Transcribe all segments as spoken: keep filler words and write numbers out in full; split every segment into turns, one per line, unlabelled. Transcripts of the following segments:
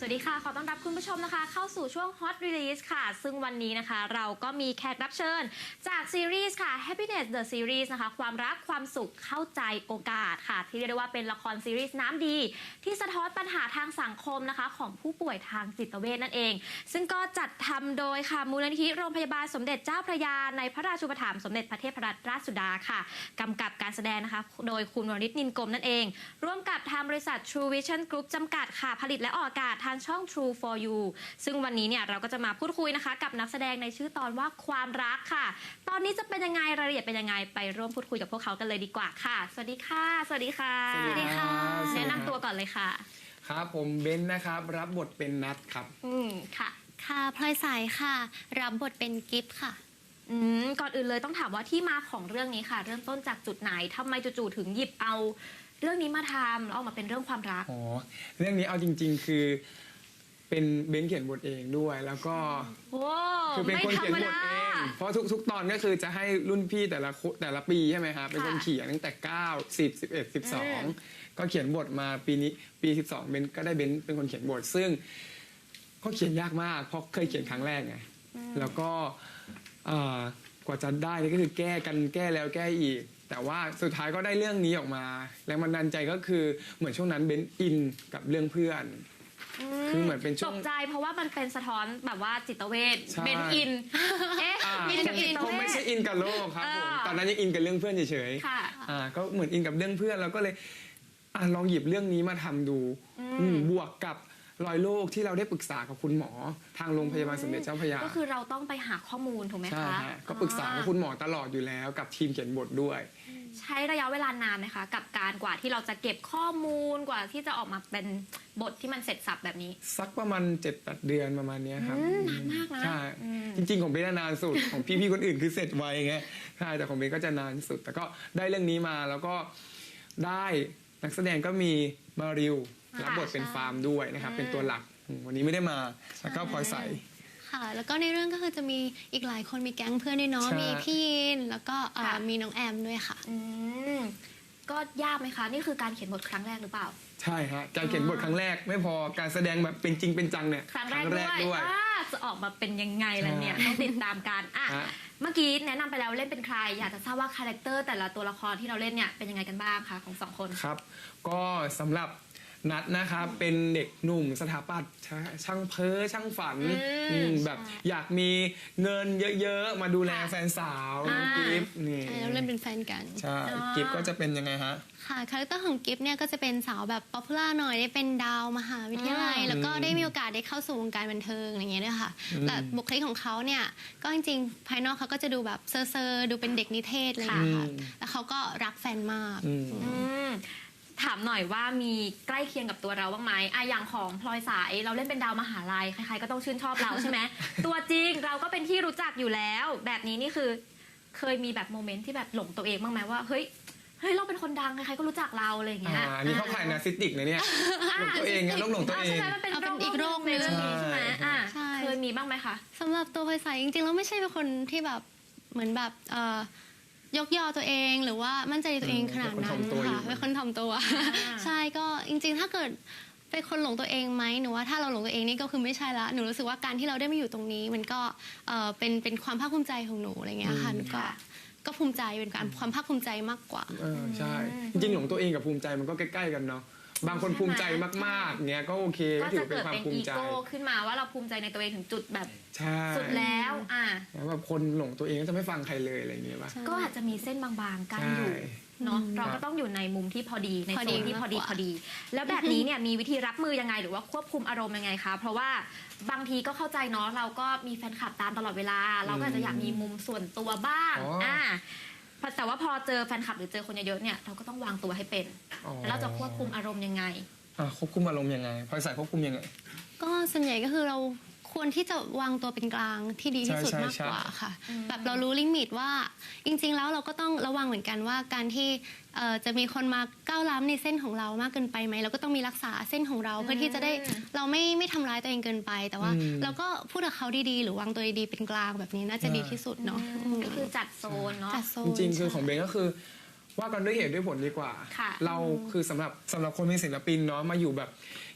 วัสดีค่ะขอต้อนรับคุณผู้ชมนะคะเข้าสู่ช่วง Hot Release ค่ะซึ่งวันนี้นะคะเราก็มีแขกรับเชิญจากซีรีส์ค่ะ Happiness the Series นะคะความรักความสุขเข้าใจโอกาสค่ะที่เรียกได้ว่าเป็นละครซีรีส์น้ำดีที่สะท้อนปัญหาทางสังคมนะคะของผู้ป่วยทางจิตเวชนั่นเองซึ่งก็จัดทำโดยค่ะมูลนิธิโรงพยาบาลสมเด็จเจ้าพระยาในพระราชูปถัมภ์สมเด็จพระเทพรัตนราชสุดาค่ะกำกับการแสดงนะคะโดยคุณวรนิชนินกรมนั่นเองร่วมกับทางบริษัท True Vision Group จำกัดค่ะผลิตและออกอากาศทางช่อง True for You ซึ่งวันนี้เนี่ยเราก็จะมาพูดคุยนะคะกับนักแสดงในชื่อตอนว่าความรักค่ะตอนนี้จะเป็นยังไงรายละเอียดเป็นยังไงไปร่วมพูดคุยกับพวกเขากันเลยดีกว่าค่ะสวัสดีค่ะสวัสดีค่ะ
สวัสดีค่ะ
แนะนำตัวก่อนเลยค่ะ
ครับผมเบนซ์นะครับรับบทเป็นนัทครับ
อืมค่ะ
ค่ะพลอยสายค่ะรับบทเป็นกิฟต์ค่ะ
อืมก่อนอื่นเลยต้องถามว่าที่มาของเรื่องนี้ค่ะเริ่มต้นจากจุดไหนทำไมจู่ๆถึงหยิบเอาเรื่องนี้มาทำแล้วออกมาเป็นเรื่องความรัก
อ๋อเรื่องนี้เอาจริงๆคือเป็นเบนซ์เขียนบทเองด้วยแล้วก็
คือ
เป็นคนเขียนบทเองเพราะทุกๆตอนก็คือจะให้รุ่นพี่แต่ละแต่ละปีใช่ไหมครับเป็นคนเขียนตั้งแต่เก้า สิบ สิบเอ็ด สิบสองก็เขียนบทมาปีนี้ปีสิบสองเบนซ์ก็ได้เบนซ์เป็นคนเขียนบทซึ่งก็เขียนยากมากเพราะเคยเขียนครั้งแรกไงแล้วก็กว่าจะได้นี่ก็คือแก้กันแก้แล้วแก้อีกแต่ว่าสุดท้ายก็ได้เรื่องนี้ออกมาแรงบันดาลใจก็คือเหมือนช่วงนั้นเบนซ์อินกับเรื่องเพื่อนคือเหมือนเป็นช่วง
ตกใจเพราะว่ามันเป็นสะท้อนแบบว่าจิตเวชเบนซ์อินเอ๊ะ
อินกับจิตเวชไม่ใช่อินกับโลกครับผมตอนนั้นยังอินกับเรื่องเพื่อนเฉยๆค่ะอ่าก็เหมือนอินกับเรื่องเพื่อนแล้วก็เลยอ่าลองหยิบเรื่องนี้มาทำดูบวกกับรอยโรคที่เราได้ปรึกษากับคุณหมอทางโรงพยาบาลสมเด็จเจ้าพระยา
ก็คือเราต้องไปหาข้อมูลถูกไหมคะ
ใช่ก็ปรึกษากับคุณหมอตลอดอยู่แล้วกับทีมเขียนบทด้วย
ใช้ระยะเวลานานไหมคะกับการกว่าที่เราจะเก็บข้อมูลกว่าที่จะออกมาเป็นบทที่มันเสร็จสับแบบนี้
สักประมาณ เจ็ดแปด เดือนประมาณนี้ครับ
นานมากนะ
ใช่จริงๆของเบนนานสุดของพี่ๆคนอื่นคือเสร็จไวไงใช่แต่ของเบนก็จะนานสุดแต่ก็ได้เรื่องนี้มาแล้วก็ได้นักแสดงก็มีมาริวรับบทเป็นฟาร์มด้วยนะครับเป็นตัวหลักวันนี้ไม่ได้มาแล้วก็พลอยใส
ค่ะแล้วก็ในเรื่องก็คือจะมีอีกหลายคนมีแก๊งเพื่อนด้วยเนาะมีพี่ยินแล้วก็มีน้องแอมด้วยค่ะ
อืมก็ยากไหมคะนี่คือการเขียนบทครั้งแรกหรือเปล่า
ใช่ฮะการเขียนบทครั้งแรกไม่พอการแสดงแบบเป็นจริงเป็นจังเนี่ย
ครั้งแรกด้วยจะออกมาเป็นยังไงล่ะเนี่ยต้องติดตามกันอ่ะเมื่อกี้แนะนำไปแล้วเล่นเป็นใครอยากจะทราบว่าคาแรคเตอร์แต่ละตัวละครที่เราเล่นเนี่ยเป็นยังไงกันบ้างคะของสองคน
ครับก็สำหรับนัดนะครับเป็นเด็กหนุ่มสถาปัตย์ช่างเพ้อช่างฝันแบบอยากมีเงินเยอะๆมาดูแลแฟนสาวกิฟต์นี่
เราเล่นเป็นแฟนกัน
ใช่กิฟต์ก็จะเป็นยังไงฮะ
ค่ะคาแรคเตอร์ของกิฟต์เนี่ยก็จะเป็นสาวแบบป๊อปปูล่าหน่อยได้เป็นดาวมหาวิทยาลัยแล้วก็ได้มีโอกาสได้เข้าสู่วงการบันเทิงอย่างเงี้ยด้วยค่ะแต่บุคลิกของเขาเนี่ยก็จริงๆภายนอกเขาก็จะดูแบบเซอร์ๆดูเป็นเด็กนิเทศอะไรอย่างเงี้ยค่ะแล้วเขาก็รักแฟนมาก
ถามหน่อยว่ามีใกล้เคียงกับตัวเราบ้างไหมอะอย่างของพลอยสายเราเล่นเป็นดาวมหาลัยใครๆก็ต้องชื่นชอบเราใช่ไหม ตัวจริงเราก็เป็นที่รู้จักอยู่แล้วแบบนี้นี่คือเคยมีแบบโมเมนต์ที่แบบหลงตัวเองบ้างไหมว่าเฮ้ยเฮ้ยเราเป็นคนดังใครๆก็รู้จักเราอะไรอย่างเงี้ย
อันนี้เขาขายนาซิติกนะเนี่ยหลงตัวเองไงหลงตัวเอง
ใช่ไหมมันเป็นอีกโรคในเรื่องนี้ใช่ไหมอ่าเคยมีบ้างไหมคะ
สำหรับตัวพลอยสายจริงๆแล้วไม่ใช่เป็นคนที่แบบเหมือนแบบยกยอตัวเองหรือว่ามั่นใจในตัวเองขนาดนั้นค่ะเป็นคนถ่อมตัวใช่ก็จริงๆถ้าเกิดเป็นคนหลงตัวเองไหมหนูว่าถ้าเราหลงตัวเองนี่ก็คือไม่ใช่ละหนูรู้สึกว่าการที่เราได้มาอยู่ตรงนี้มันก็เป็นเป็นความภาคภูมิใจของหนูอะไรเงี้ยค่ะก็ก็ภูมิใจเป็นการความภาคภูมิใจมากกว่า
ใช่จริงๆหลงตัวเองกับภูมิใจมันก็ใกล้ๆกันเนาะบางคนภูมิใจมากๆเงี้ยก็โอเคก็ถือเป็นความภูมิใจ
ก็จะเกิดเป็นอีโก้ขึ้นมาว่าเราภูมิใจในตัวเองถึงจุดแบบสุดแล้วอ่ะ
แบบคนหลงตัวเองก็จะไม่ฟังใครเลยอะไรอย่างเงี้ยป่ะ
ก็อาจจะมีเส้นบางๆกั้นอยู่เนาะเราก็ต้องอยู่ในมุมที่พอดีในโซนที่พอดีพอดีแล้วแบบนี้เนี่ยมีวิธีรับมือยังไงหรือว่าควบคุมอารมณ์ยังไงคะเพราะว่าบางทีก็เข้าใจเนาะเราก็มีแฟนคลับตามตลอดเวลาเราก็อาจจะอยากมีมุมส่วนตัวบ้างอ่าแต่ว่าพอเจอแฟนคลับหรือเจอคนเยอะๆเนี่ยเราก็ต้องวางตัวให้เป็นแล้วเราจะควบคุมอารมณ์ยังไง
ควบคุมอารมณ์ยังไงพลอยสายควบคุมยังไง
ก็ส่วนใหญ่ก็คือเราควรที่จะวางตัวเป็นกลางที่ดีที่สุดมากกว่าค่ะแบบเรารู้ลิมิตว่าจริงๆแล้วเราก็ต้องระวังเหมือนกันว่าการที่จะมีคนมาก้าวล้ำในเส้นของเรามากเกินไปไหมเราก็ต้องมีรักษาเส้นของเราเพื่อที่จะได้เราไม่ไม่ทำร้ายตัวเองเกินไปแต่ว่าเราก็พูดกับเขาดีๆหรือวางตัวดีๆเป็นกลางแบบนี้น่าจะดีที่สุดเนาะ
ก็คือจัดโซนเนาะ
จริงๆคือของเบนก็คือว่ากันด้วยเหตุด้วยผลดีกว่าเราคือสำหรับสำหรับคนเป็นศิลปินเนาะมาอยู่แบบ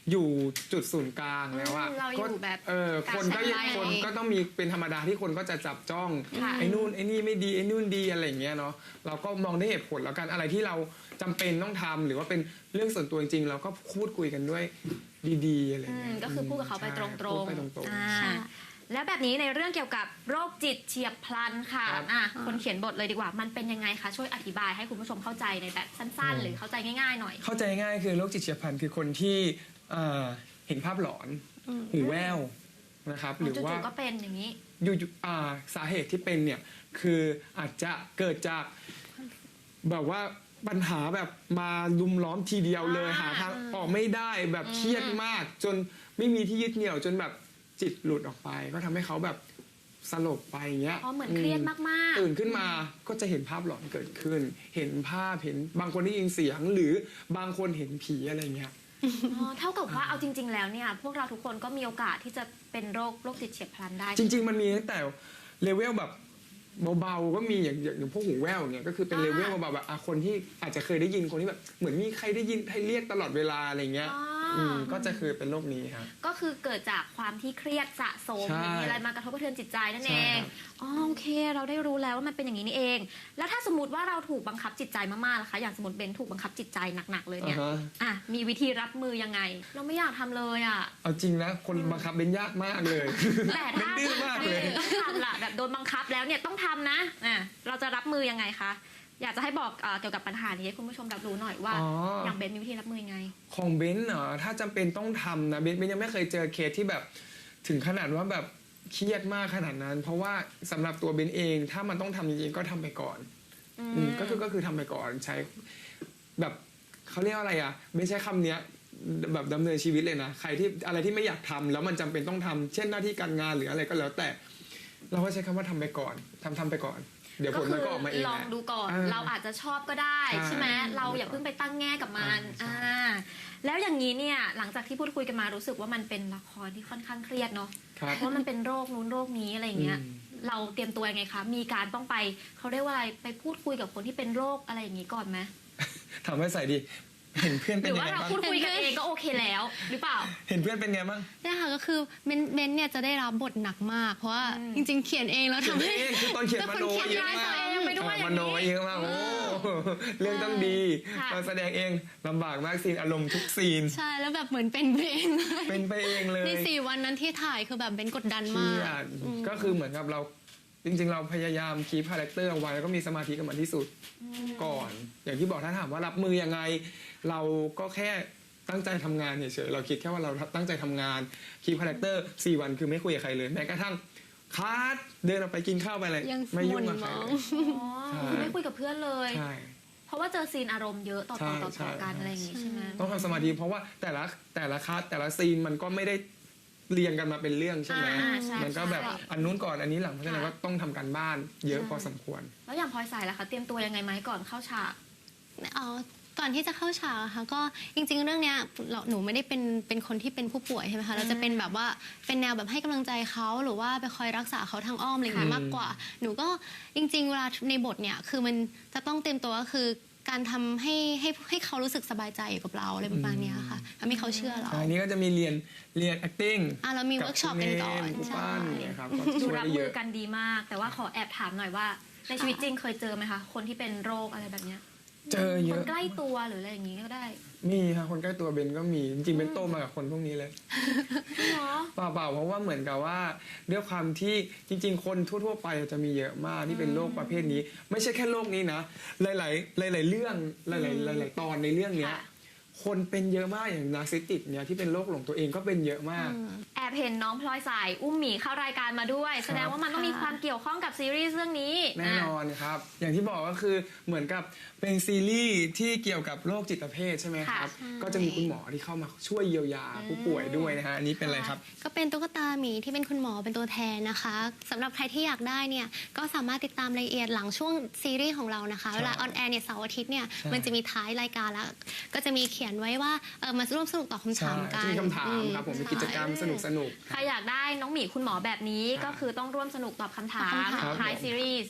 อยู่จุดศูนย์กลางแล้วอะ
อืมเราอยู่
ก็
แบบ
เออคนก็
กลาง
คนก็ต้องมีเป็นธรรมดาที่คนก็จะจับจ้อง
ค่ะ
ไอ้นู่นไอ้นี่ไม่ดีไอ้นู่นดีอะไรอย่างเงี้ยเนาะเราก็มองได้เหตุผลแล้วกันอะไรที่เราจำเป็นต้องทำหรือว่าเป็นเรื่องส่วนตัวจริงๆเราก็พูดคุยกันด้วยดีๆอะไร
อื
เงี้
ม
ย
ก็คือพูดกับเขาไป
ใช่
ตรง
พูดไปต
ๆ
รง
อ่า
ใช่
แล้วแบบนี้ในเรื่องเกี่ยวกับโรคจิตเฉียบพลันค่ะ
ครับ
อ่ะคนเขียนบทเลยดีกว่ามันเป็นยังไงคะช่วยอธิบายให้คุณผู้ชมเข้าใจในแบบสั้น ๆ หรือเข้าใจง่ายๆหน่อย
ๆเข้าใจง่ายคือโรคจิตเฉียบพลันคือคนที่เอ่อเห็นภาพหลอน
อืม
หูแว่วนะครับหรือว่า
จู่ๆก็เป็นอย่างนี้
อยู่ๆอ่าสาเหตุที่เป็นเนี่ยคืออาจจะเกิดจากแบบว่าปัญหาแบบมาลุมล้อมทีเดียวเลย
อ่า
หาทางออกไม่ได้แบบเครียดมาก จนไม่มีที่ยึดเหนี่ยวจนแบบจิตหลุดออกไป ก็ทำให้เขาแบบสลบไปอย่างเงี้ย
อ๋อเหมือนเครียดมากๆ
ตื่นขึ้นมาก็จะเห็นภาพหลอนเกิดขึ้น เห็นภาพเห็นบางคนได้ยินเสียงหรือบางคนเห็นผีอะไรเงี้ย
อ๋อเท่ากับว่าเอาจริง ๆ แล้วเนี่ยพวกเราทุกคนก็มีโอกาสที่จะเป็นโรคโรคจิตเฉียบพลันได้
จริง ๆ มันมีตั้งแต่เลเวลแบบเบาๆก็มีอย่างอย่างอย่างพวกหูแว่วเนี่ยก็คือเป็น
อ่า
เลเวลเบาๆแบบอ่ะคนที่อาจจะเคยได้ยินคนที่แบบเหมือนมีใครได้ยินให้เรียกตลอดเวลาอะไรเงี้ย
อ๋ออ
อืมก็จะคือเป็นโรคนี้ครับ
ก็คือเกิดจากความที่เครียดสะสม
ใช่
มีอะไรมากระทบกระเทือนจิตใจนั่น
ใช่
เอง
ครับ
อ๋อโอเค เราได้รู้แล้วว่ามันเป็นอย่างนี้นี่เอง แล้วถ้าสมมติว่าเราถูกบังคับจิตใจมากๆล่ะคะอย่างสมมติเบนถูกบังคับจิตใจหนักๆเลยเนี่ย
อ่าฮะ
อ่ะมีวิธีรับมือยังไง เราไม่อยากทำเลยอ่ะ
เอาจริงนะคนบังคับเป็นยากมากเลย
แต่
เป็น
ถ้า
ดื้อมากเลย
ต้องทำล่ะแบบโดนบังคับแล้วเนี่ยต้องทำนะอ่ะเราจะรับมือยังไงคะอยากจะให้บอกเอ่อเกี่ยวกับปัญหานี้ให้คุณผู้ชมรับรู้หน่อยว่า
อ๋อ
อ
อ
ย่างเบนมีวิธีรับมือยังไง
ของเบนซ์เหรอถ้าจำเป็นต้องทำนะเบนซ์เบนซ์ยังไม่เคยเจอเคสที่แบบถึงขนาดว่าแบบเครียดมากขนาดนั้น เพราะว่าสำหรับตัวเบนซ์เอง ถ้ามันต้องทำจริงๆก็ทำไปก่อน
อื
อืม
ม
ก็คือก็คือทำไปก่อนใช้แบบเขาเรียกว่าอะไรอ่ะไม่ใช้คำเนี้ยแบบดำเนินชีวิตเลยนะใครที่อะไรที่ไม่อยากทำแล้วมันจำเป็นต้องทำเช่นหน้าที่การงานหรืออะไรก็แล้วแต่ เราก็ใช้คำว่าทำไปก่อนทำทำไปก่อน เดี๋ยวผลมันก็ออกมาเอง
ลอง
แหละ
ดูก่อน
อ่า
เราอาจจะชอบก็ได้
ใช่
ใช่ไหมเราอย่าเพิ่งไปตั้งแง่กับมัน
ใช่
อ่าแล้วอย่างนี้เนี่ยหลังจากที่พูดคุยกันมารู้สึกว่ามันเป็นละครที่ค่อนข้างเครียดเนาะ
ครับ
เพราะมันเป็นโรคนู้นโรคนี้อะไรอย่างเงี้ย
อืม
เราเตรียมตัวยังไงคะมีการต้องไปเขาเรียกว่าอะไรไปพูดคุยกับคนที่เป็นโรคอะไรอย่างนี้ก่อนไหม
ถามว่าใส่ดีเห็นเพื่อน
ห
เป็น
รือ
ยัง
ว่า
ไง
เรา
บ้าง
พูดคุยกันเองก็โอเคแล้ว หรือเปล่า
เห็นเพื่อนเป็นไงบ้าง
เนี่ยค่ะก็คือเบนเบนเนี่ยจะได้รับบทหนักมาก เพราะว่า
อืม
จริง ๆ เขียนเองแล้ว
เขียน
ทำให้
เองคือตอนเขียนมโน
เป็นคนเขี
เย
ยน
อะมาก
ตัวเองไปด้วย
เออ
อย่างนี้
มโนเยอะมากโอ้เรื่องต้องดี
ค่ะ
ตอนแสดงเองลำบากมากซีนอารมณ์ทุกซีน
ใช่แล้วแบบเหมือนเป็นเพลงเลย
เป็นไปเองเลย
ในสี่วันนั้นที่ถ่ายคือแบบเบนกดดัน
เค
มา
รี
ก
ยด
อืม
ก็คือเหมือนกับเราจริง ๆ เราพยายามคีพคาแรคเตอร์เอาไว้แล้วก็มีสมาธิกับมันที่สุดก่อน อย่างที่บอกถ้าถามว่ารับมือยังไง เราก็แค่ตั้งใจทำงานเฉยๆเราคิดแค่ว่าเราตั้งใจทำงานคีพคาแรคเตอร์สี่วันคือไม่คุยกับใครเลยแม้กระทั่งคัดเดินออกไปกินข้าวไปอะไร
ยัง
ไม่ยุ่งกับ
หม่
ใคร
นมอง
เลย
อ๋อ
ใช่
ไม่คุยกับเพื่อนเลย
ใช่
เพราะว่าเจอซีนอารมณ์เยอะต่อ
ใช่
ต่อต่อ
ใช่
ต่อกันอะไรอย่างงี้ใช่ไหม
ต้องทำสมาธิเพราะว่าแต่ละแต่ละคัสแต่ละซีนมันก็ไม่ได้เรียงกันมาเป็นเรื่องใช่ไหม
อ่าใช่
มันก็แบบ
ใช่
อันนู้นก่อนอันนี้หลังเพราะฉะนั้นก็ต้องทำการบ้านเยอะพอสมควร
แล้วอย่างพลอยใส่ล่ะคะเตรียมตัวยังไงไหมก่อนเข้าฉาก
อ๋อก่อนที่จะเข้าฉากอะค่ะก็จริง ๆ เรื่องเนี้ยเราหนูไม่ได้เป็นเป็นคนที่เป็นผู้ป่วยใช่ไหมคะเราจะเป็นแบบว่าเป็นแนวแบบให้กำลังใจเขาหรือว่าไปคอยรักษาเขาทางอ้อมอะไรอย่างเงี้ย
ค่ะ
มากกว่า หนูก็จริง ๆ เวลาในบทเนี่ยคือมันจะต้องเตรียมตัวก็คือการทำให้ให้ให้เขารู้สึกสบายใจอยู่กับเราอะไรประมาณเนี้ยค่ะทำให้เขาเชื่อเรา
อันนี้ก็จะมีเรียนเรียน acting
อ่ะเรามีเวิร์กช็อปกันก่อน
ผู้
ใช่
ปั้นเนี่ยครับก็
ดู
ช่วย
รับ
ได้เย
มือ
อะ
กันดีมาก แต่ว่าขอแอบถามหน่อยว่า ในชีวิตจริงเคยเจอไหมคะ คนที่เป็นโรคอะไรแบบเนี้ย
เจอเย
คน
อะ
ใกล้ตัวหรืออะไรอย่างงี้ก็ได้
มีค่ะคนใกล้ตัวเบนก็มีจริงๆเบนโตมากับคนพวกนี้เลย
เนาะ
เปล่าๆเพราะว่าเหมือนกับว่าด้วยความที่จริง ๆ คนทั่ว ๆ ไปจะมีเยอะมากที่เป็นโรคประเภทนี้ ไม่ใช่แค่โรคนี้นะ หลายๆหลาย ๆ เรื่องหลายๆหลาย ๆ ตอนในเรื่องเนี้ย
ค่ะ
คนเป็นเยอะมากอย่างนาร์ซิสติกเนี่ยที่เป็นโรคหลงตัวเองก็เป็นเยอะมาก
แอบเห็นน้องพลอยใส่อุ้มหมีเข้ารายการมาด้วย แสดงว่ามันต้องมีความเกี่ยวข้องกับซีรีส์เรื่องนี้
แน่นอนครับ อย่างที่บอกก็คือเหมือนกับเป็นซีรีส์ที่เกี่ยวกับโรคจิตเภทใช่ไหมครับ ก็จะมีคุณหมอที่เข้ามาช่วยเยียวยาผู้ป่วยด้วยนะฮะอันนี้เป็นอะไรครับ
ก็เป็นตุ๊กตาหมีที่เป็นคุณหมอเป็นตัวแทนนะคะสำหรับใครที่อยากได้เนี่ยก็สามารถติดตามรายละเอียดหลังช่วงซีรีส์ของเรานะคะ
ใช่
เวลาออนแอร์เนี่ยเสาร์อาทิตย์เนี่ย
ใช่
มันจะมีท้ายรายการแล้ว ก็จะมีเขียนไว้ว่าเออมาร่วมสนุกตอบคำ
ใช่
ถามกัน
จะมีคำถามครับผมมีกิจกรรมสนุกสนุกๆ
ใครอยากได้น้องหมีคุณหมอแบบนี้
ครับ
ก็คือต้องร่วมสนุกตอบคำถาม
ตอบคำถาม
ท้ายซีรีส์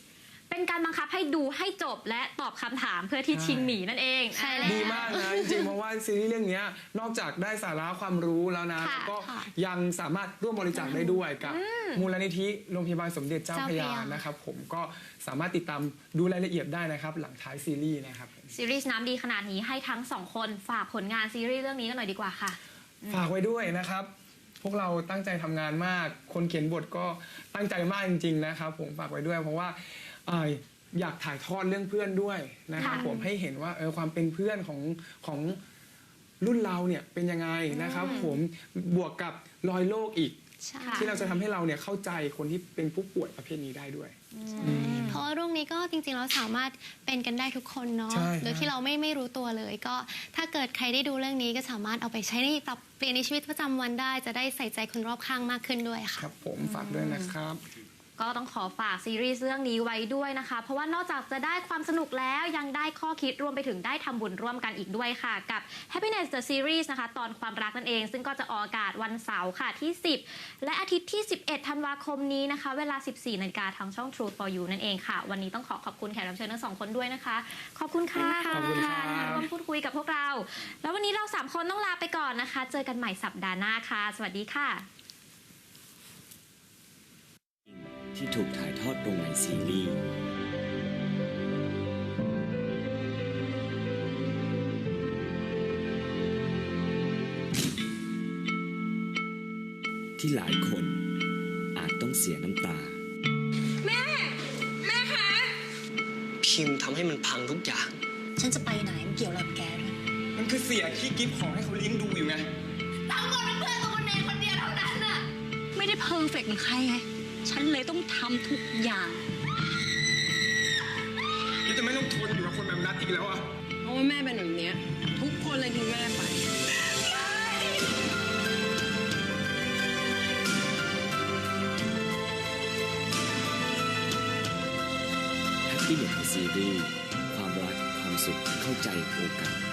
เป็นการบังคับให้ดูให้จบและตอบคำถามเพื่อที่
ใช่
ชิงหมีนั่นเอง
ใช่แล้ว
ดีมากนะจริงๆเพราะว่าซีรีส์เรื่องเนี้ยนอกจากได้สาระความรู้แล้วนะ
ค่ะ
แล้วก็
ค่ะ
ยังสามารถร่วมบริจาคได้ด้วยกับมูลนิธิโรงพยาบาลสมเด็จเจ้าพระยา
เจ้าพระยาน
นะครับผมก็สามารถติดตามดูรายละเอียดได้นะครับหลังท้ายซีรีส์นะครับ
ซีรีส์น้ำดีขนาดนี้ให้ทั้งสองคนฝากผลงานซีรีส์เรื่องนี้กันหน่อยดีกว่าค่ะ
ฝากไว้ด้วยนะครับ พวกเราตั้งใจทำงานมาก คนเขียนบทก็ตั้งใจมากจริงๆนะครับผมฝากไว้ด้วย เพราะว่าเอ่ออยากถ่ายทอดเรื่องเพื่อนด้วยนะครับ
ค่ะ
ผมให้เห็นว่าเออความเป็นเพื่อนของของรุ่นเราเนี่ยเป็นยังไงนะครับ ผมบวกกับรอยโรคอีก
ใช่
ที่เราจะทำให้เราเนี่ยเข้าใจคนที่เป็นผู้ป่วยประเภทนี้ได้ด้วย
เพราะว่าโรคนี้ก็จริงๆเราสามารถเป็นกันได้ทุกคนเนาะ
ใช่
โดยที่เราไม่ไม่รู้ตัวเลย ก็ถ้าเกิดใครได้ดูเรื่องนี้ก็สามารถเอาไปใช้ในปรับเปลี่ยนในชีวิตประจำวันได้ จะได้ใส่ใจคนรอบข้างมากขึ้นด้วย
ค
ค่ะ
รับผมฝากด้วยนะครับ
ก็ต้องขอฝากซีรีส์เรื่องนี้ไว้ด้วยนะคะ เพราะว่านอกจากจะได้ความสนุกแล้วยังได้ข้อคิดรวมไปถึงได้ทำบุญร่วมกันอีกด้วยค่ะ กับ Happiness the Series นะคะ ตอนความรักนั่นเอง ซึ่งก็จะออกอากาศวันเสาร์ค่ะที่ สิบ และอาทิตย์ที่ สิบเอ็ด ธันวาคมนี้นะคะ เวลา สิบสี่ นาฬิกาทางช่อง True for You นั่นเองค่ะ วันนี้ต้องขอขอบคุณแขกรับเชิญทั้งสองคนด้วยนะคะ ขอบคุณค่ะ
ขอบคุณครับ
ที่มาร่วมพูดคุยกับพวกเรา แล้ววันนี้เราสามคนต้องลาไปก่อนนะคะ เจอกันใหม่สัปดาห์หน้าค่ะ สวัสดีค่ะ
ที่ถูกถ่ายทอดลงในซีรีส์ที่หลายคนอาจต้องเสียน้ำตา
พิมพ์ทำให้มันพังทุกอย่าง
ฉันจะไปไหนมันเกี่ยวอะไรกับแกด้วย
มันคือเสียที่กิฟต์ของให้เขาเลี้ยงดูอยู่ไง
ไม่ได้เพอร์เฟกต์เหมือนใครไง ฉันเลยต้องทำทุกอย่าง
กิฟจะไม่ต้องทนอยู่กับคนแบบนัดอีกแล้วอ่ะ
เพราะว่าแม่เป็นแบบเนี้ยทุกคนเลยทิ้งแม่ไป
Happiness ซีรีส์ความรักความสุขเข้าใจโอกาส